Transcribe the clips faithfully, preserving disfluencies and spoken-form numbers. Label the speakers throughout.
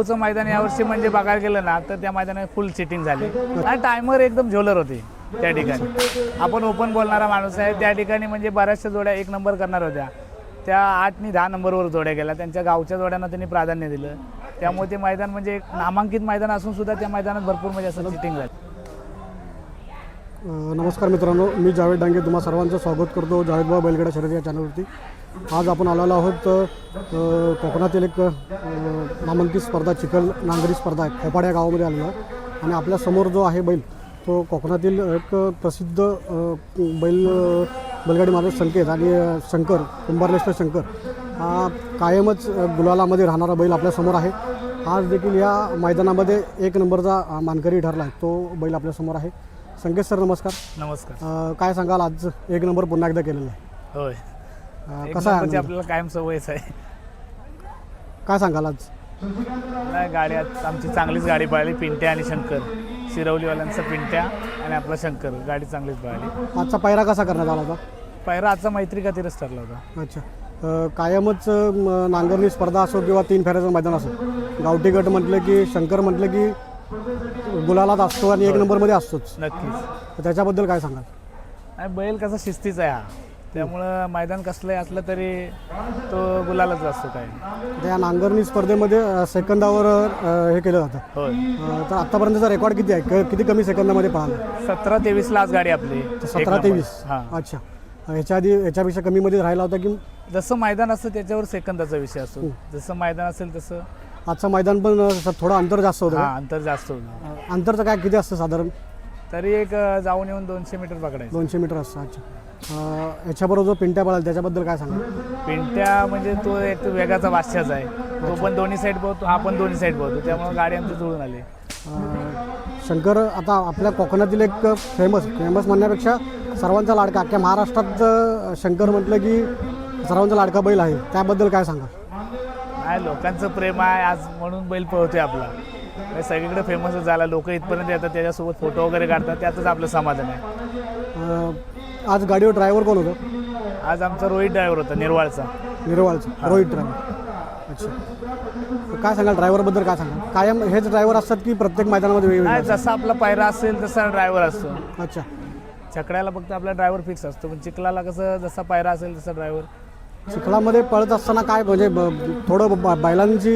Speaker 1: आंबवचं मैदान यावर्षी म्हणजे बघायला गेलं ना तर त्या मैदानात फुल सिटिंग झाली आणि टायमर एकदम झोलर होते त्या ठिकाणी. आपण ओपन बोलणारा माणूस आहे, त्या ठिकाणी म्हणजे बऱ्याचशा जोड्या एक नंबर करणार होत्या, त्या आठ आणि दहा नंबरवर जोड्या गेल्या. त्यांच्या गावच्या जोड्यांना त्यांनी प्राधान्य दिलं, त्यामुळे ते मैदान म्हणजे एक नामांकित मैदान असून सुद्धा त्या मैदानात भरपूर म्हणजे असं सिटिंग झाली.
Speaker 2: नमस्कार मित्रांनो, मी जावेद डांगे तुम्हा सर्वांचं स्वागत करतो जावेदभाऊ बैलगाडा शर्यत या चॅनलवरती. आज आपण आलेलो आहोत कोकणातील एक नामांकित स्पर्धा चिखल नांगरी स्पर्धा आहे, खोपाड या गावामध्ये आलेलो आहे. आणि आपल्यासमोर जो आहे बैल तो कोकणातील एक प्रसिद्ध बैल बैलगाडी मालक संकेत आणि शंकर कुंभारलेश्वर शंकर हा कायमच गुलालामध्ये राहणारा बैल आपल्यासमोर आहे. आज देखील या मैदानामध्ये एक नंबरचा मानकरी ठरला आहे तो बैल आपल्यासमोर आहे. संकेत सर नमस्कार.
Speaker 1: नमस्कार.
Speaker 2: काय सांगाल, आज एक नंबर पुन्हा एकदा केलेला आहे?
Speaker 1: होय,
Speaker 2: कसा आहे?
Speaker 1: आपल्याला कायम सवयच आहे.
Speaker 2: काय सांगाल आज?
Speaker 1: नाही, गाडी आज आमची चांगलीच गाडी पळाली. पिंट्या आणि शंकर, शिरवलीवाल्यांचा पिंट्या आणि आपला शंकर, गाडी चांगलीच पळाली.
Speaker 2: आजचा पायरा कसा करण्यात आला होता?
Speaker 1: पायरा आजचा मैत्री खातीरच ठरला होता.
Speaker 2: अच्छा, कायमच नांगरणी स्पर्धा असो किंवा तीन फेऱ्याचं मैदान असो, गावठी गट म्हटलं की शंकर म्हटलं की गुलालात असतो आणि एक नंबरमध्ये असतोच.
Speaker 1: नक्कीच.
Speaker 2: त्याच्याबद्दल काय सांगाल?
Speaker 1: नाही, बैल कसा शिस्तीचा आहे हा, त्यामुळं मैदान कसलंही असलं तरी तो गुलालाच असतो. काय
Speaker 2: त्या नांगरणी स्पर्धेमध्ये सेकंदावर हे केलं जातं.
Speaker 1: होय.
Speaker 2: तर आतापर्यंतचा रेकॉर्ड किती आहे? किती कमी सेकंदामध्ये पळाला?
Speaker 1: सतरा तेवीसला आज गाडी आपली.
Speaker 2: सतरा तेवीस अच्छा. ह्याच्या आधी ह्याच्यापेक्षा कमीमध्ये राहिला होता की?
Speaker 1: जसं मैदान असतं त्याच्यावर सेकंदाचा विषय असतो. जसं मैदान असेल तसं.
Speaker 2: आजचं मैदान पण थोडं अंतर जास्त होतं.
Speaker 1: हां, अंतर जास्त होतं.
Speaker 2: अंतरचं काय किती असतं साधारण?
Speaker 1: तरी एक जाऊन येऊन दोनशे मीटर पकडायचं.
Speaker 2: दोनशे मीटर असतं. अच्छा. ह्याच्याबरोबर जो पिंट्या पळाला त्याच्याबद्दल काय सांगा?
Speaker 1: पिंट्या म्हणजे तो एक वेगाचा वाश्याच आहे. तो पण दोन्ही साईड पोहतो, हा पण दोन्ही साईड पोहतो, त्यामुळे गाडी आमची जुळून आली.
Speaker 2: शंकर आता आपल्या कोकणातील एक फेमस फेमस म्हणण्यापेक्षा सर्वांचा लाडका, अख्ख्या महाराष्ट्रात शंकर म्हटलं की सर्वांचा लाडका बैल आहे, त्याबद्दल काय सांगा?
Speaker 1: नाही, लोकांचं प्रेम आहे आज म्हणून बैल पळतोय आपला. सगळीकडे फेमसच झाला, लोक इथपर्यंत येतात, त्याच्यासोबत फोटो वगैरे काढतात, त्यातच आपलं समाधान आहे.
Speaker 2: आज गाडीवर ड्रायव्हर कोण होतं?
Speaker 1: आज आमचा रोहित ड्रायव्हर होता, निर्वाळचा.
Speaker 2: निर्वाळचा रोहित ड्रायव्हर. अच्छा, काय सांगाल ड्रायव्हरबद्दल? काय सांगाल? कायम हेच ड्रायव्हर असतात की प्रत्येक मैदानामध्ये वेगवेगळे?
Speaker 1: नाही, जसा आपला पायरा असेल तसा ड्रायव्हर असतो.
Speaker 2: अच्छा.
Speaker 1: छकड्याला फक्त आपला ड्रायव्हर फिक्स असतो, पण चिखलाला कसं जसा पायरा असेल तसा ड्रायव्हर.
Speaker 2: चिखलामध्ये पळत असताना काय म्हणजे थोडं बैलांची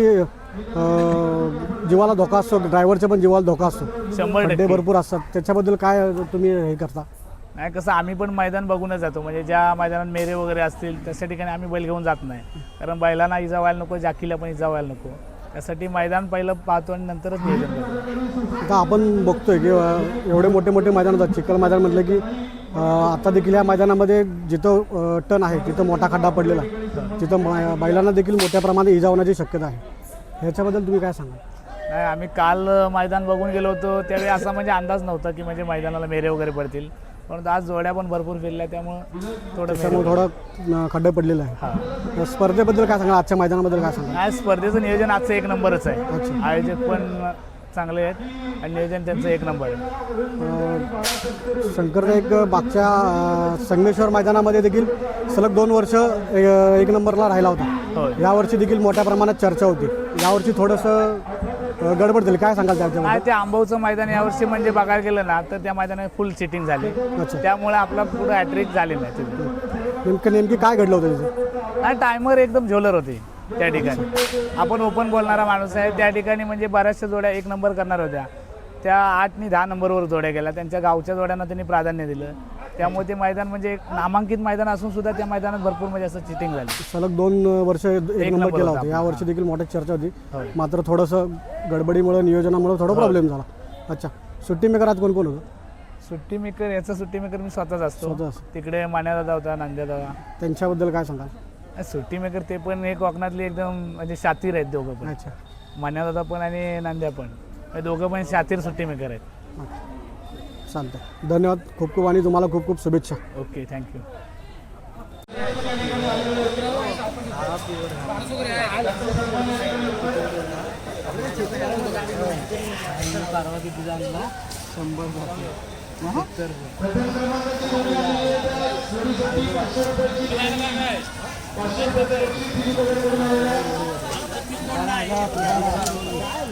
Speaker 2: जीवाला धोका असतो, ड्रायव्हरच्या पण जीवाला धोका असतो,
Speaker 1: शंभर
Speaker 2: टक्के भरपूर असतात, त्याच्याबद्दल काय तुम्ही हे करता?
Speaker 1: नाही, कसं आम्ही पण मैदान बघूनच जातो, म्हणजे ज्या मैदानात मेरे वगैरे असतील तशा ठिकाणी आम्ही बैल घेऊन जात नाही, कारण बैलांना इजा व्हायला नको, जाकीला पण इजा व्हायला नको, त्यासाठी मैदान पहिलं पाहतो आणि नंतरच नियोजन करतो.
Speaker 2: आता आपण बघतोय की एवढे मोठे मोठे मैदान होतात. चिखल मैदान म्हटलं की आता देखील या मैदानामध्ये जिथं टन आहे तिथं मोठा खड्डा पडलेला आहे, तिथं बैलांना देखील मोठ्या प्रमाणात इजा होण्याची शक्यता आहे, ह्याच्याबद्दल तुम्ही काय सांगाल?
Speaker 1: नाही, आम्ही काल मैदान बघून गेलो होतो, त्यावेळी असा म्हणजे अंदाज नव्हता की म्हणजे मैदानाला मेरे वगैरे पडतील, परंतु आज जोड्या पण भरपूर फिरल्या, त्यामुळं थोडं
Speaker 2: थोडं खड्डे पडलेलं आहे. हां, स्पर्धेबद्दल काय सांगा? आजच्या मैदानाबद्दल काय सांगा?
Speaker 1: नाही, स्पर्धेचं नियोजन आजचं एक नंबरच आहे. आयोजक पण चांगले आहेत आणि नियोजन त्यांचं एक नंबर आहे.
Speaker 2: शंकरचा एक मागच्या संगमेश्वर मैदानामध्ये देखील सलग दोन वर्ष एक नंबरला राहिला होता. यावर्षी देखील मोठ्या प्रमाणात चर्चा होती, यावर्षी थोडंसं गडबड झाली, काय सांगाल त्याच्यावर?
Speaker 1: नाही, ते आंबवचं मैदान यावर्षी म्हणजे बघायला गेलं ना तर त्या मैदानात फुल सिटिंग झाली. अच्छा. त्यामुळे आपला पुढं हॅट्रिक झाली नाही.
Speaker 2: नेमकं नेमकी काय घडलं होतं तिथे?
Speaker 1: नाही, टायमर एकदम झोलर होते त्या ठिकाणी. आपण ओपन बोलणारा माणूस आहे, त्या ठिकाणी म्हणजे बऱ्याचशा जोड्या एक नंबर करणार होत्या, त्या आठ आणि दहा नंबरवर जोड्या गेल्या, त्यांच्या गावच्या जोड्यांना त्यांनी प्राधान्य दिलं, त्यामुळे ते मैदान म्हणजे एक नामांकित मैदान असून सुद्धा त्या मैदानात भरपूर म्हणजे असं चिटिंग झाली.
Speaker 2: सलग दोन वर्ष एक नंबर केला होता, या वर्षी देखील मोठी चर्चा होती, मात्र थोडंसं गडबडीमुळे नियोजनामुळे थोडा प्रॉब्लेम झाला. अच्छा, सुट्टी मेकर आज कोण कोण होतं?
Speaker 1: सुट्टी मेकर याचा सुट्टी मेकर मी स्वतःच असतो. तिकडे मान्यादादा होता, नांद्यादादा.
Speaker 2: त्यांच्याबद्दल काय सांगाल?
Speaker 1: सुट्टी मेकर ते पण एक कोकणातली एकदम म्हणजे शातीर आहेत दोघं पण. अच्छा. मान्यादादा पण आणि नांद्या पण, दोघं पण शातीर सुट्टी मेकर आहेत.
Speaker 2: चालतं, धन्यवाद खूप खूप आणि तुम्हाला खूप खूप शुभेच्छा.
Speaker 1: Okay, thank you. शंभर